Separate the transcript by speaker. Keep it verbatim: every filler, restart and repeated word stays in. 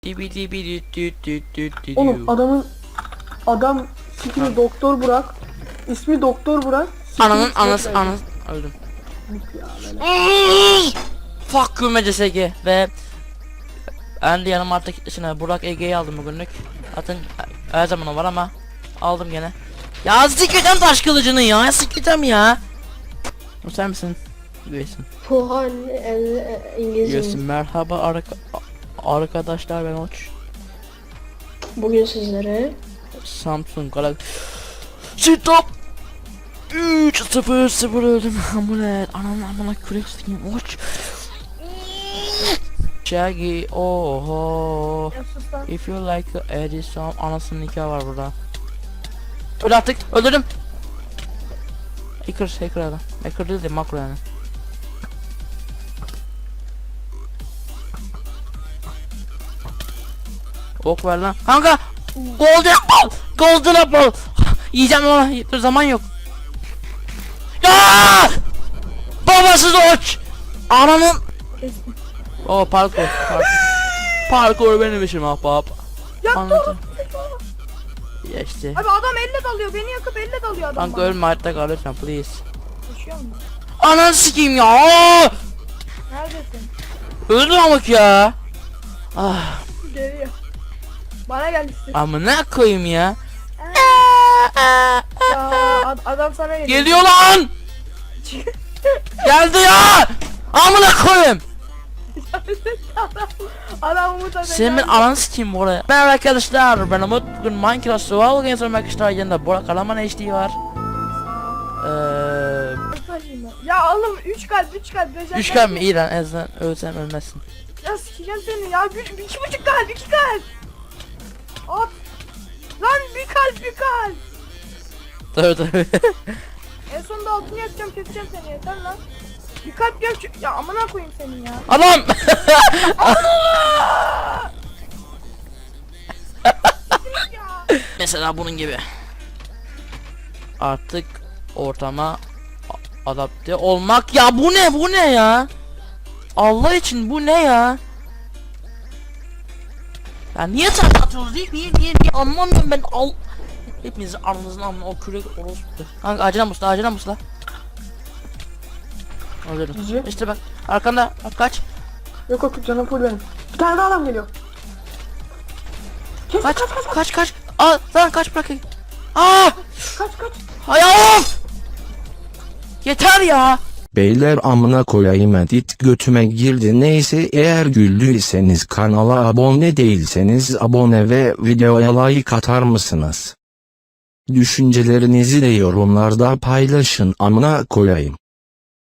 Speaker 1: Oğlum adamın adam sikini Doktor Burak. İsmi Doktor Burak.
Speaker 2: Ananın anası anası öldüm. Fuck you M C S G ve ben de yanıma artık içine Burak Ege'yi aldım bugünlük. Zaten her zaman o var ama aldım gene. Ya sikeceğim taş kılıcını ya, sikeceğim ya. Sen misin? Üyesin.
Speaker 3: Puhan İngilizce.
Speaker 2: Üyesin. Merhaba arka arkadaşlar, ben Oç.
Speaker 3: Bugün sizlere
Speaker 2: Samsung Galaxy Stop üç sıfır sıfır öldüm. Amulet ananı amına kürek sikeyim Oç. Shaggy oho. If you like Edison, anasının nikahı var burada. Öl artık, öldürdüm. Hacker, hacker adam. Hacker değil de makro yani. Ok ver lan. Kanka! Golden apple! Golden apple! Yiyeceğim ona. Dur, zaman yok. Ya! Babasız Oç! Ananın... Oh parkur. Parkur, parkur benim işim ahbap.
Speaker 1: Yaktı.
Speaker 2: Geçti.
Speaker 1: Abi adam elle dalıyor. Beni yakıp elle dalıyor adam.
Speaker 2: Kanka ölme, hayatta kal lütfen please.
Speaker 1: Yaşıyor mu?
Speaker 2: Ananı sikeyim ya.
Speaker 1: Neredesin?
Speaker 2: Öldüm amık ya. Ah,
Speaker 1: Geliyor. Bana gel işte.
Speaker 2: amına koyayım ya.
Speaker 1: Ya ad- adam sana geliyor.
Speaker 2: Geliyor lan. Geldi ya. Amına koyayım.
Speaker 1: Adam Umut abi.
Speaker 2: Senin ben ananı sikeyim bu araya. Merhaba arkadaşlar, ben Umut. Bugün Minecraft Survival Games oynamak arkadaşlar. Yanında Burak Karaman H D var. Eee...
Speaker 1: Ya oğlum üç kalp üç kalp. beş
Speaker 2: Üç kalp mi? İyi lan, en azından ölsem ölmezsin.
Speaker 1: Ya sikeceğim seni ya. Bir, bir, iki buçuk kalp iki kalp. At. Lan bir kalp bir kalp.
Speaker 2: Tabii tabii.
Speaker 1: En sonunda altını yakacağım keseceğim seni yeter lan. Bir kalp yak. Ya amına koyayım seni ya.
Speaker 2: Adam!
Speaker 1: Ya.
Speaker 2: Mesela bunun gibi. Artık ortama adapte olmak. Ya bu ne, bu ne ya? Allah için bu ne ya? Ya niye tartışıyoruz? Niye niye niye, niye? Anlamıyorum ben. Al. Hepinizi aranızın amına o kürek orospu. Kanka acele musla, acele musla. Alıyorum.
Speaker 1: Cici.
Speaker 2: İşte bak arkanda, bak kaç.
Speaker 1: Yok yok canım full benim. Bir tane daha adam geliyor. Kes,
Speaker 2: Kaç
Speaker 1: kaç kaç kaç
Speaker 2: kaç kaç. Aa lan kaç bırak. Aa!
Speaker 1: kaç kaç.
Speaker 2: Hay of! Yeter ya.
Speaker 4: Beyler amına koyayım, edit götüme girdi. Neyse, eğer güldüyseniz kanala abone değilseniz abone ve videoya like atar mısınız? Düşüncelerinizi de yorumlarda paylaşın amına koyayım.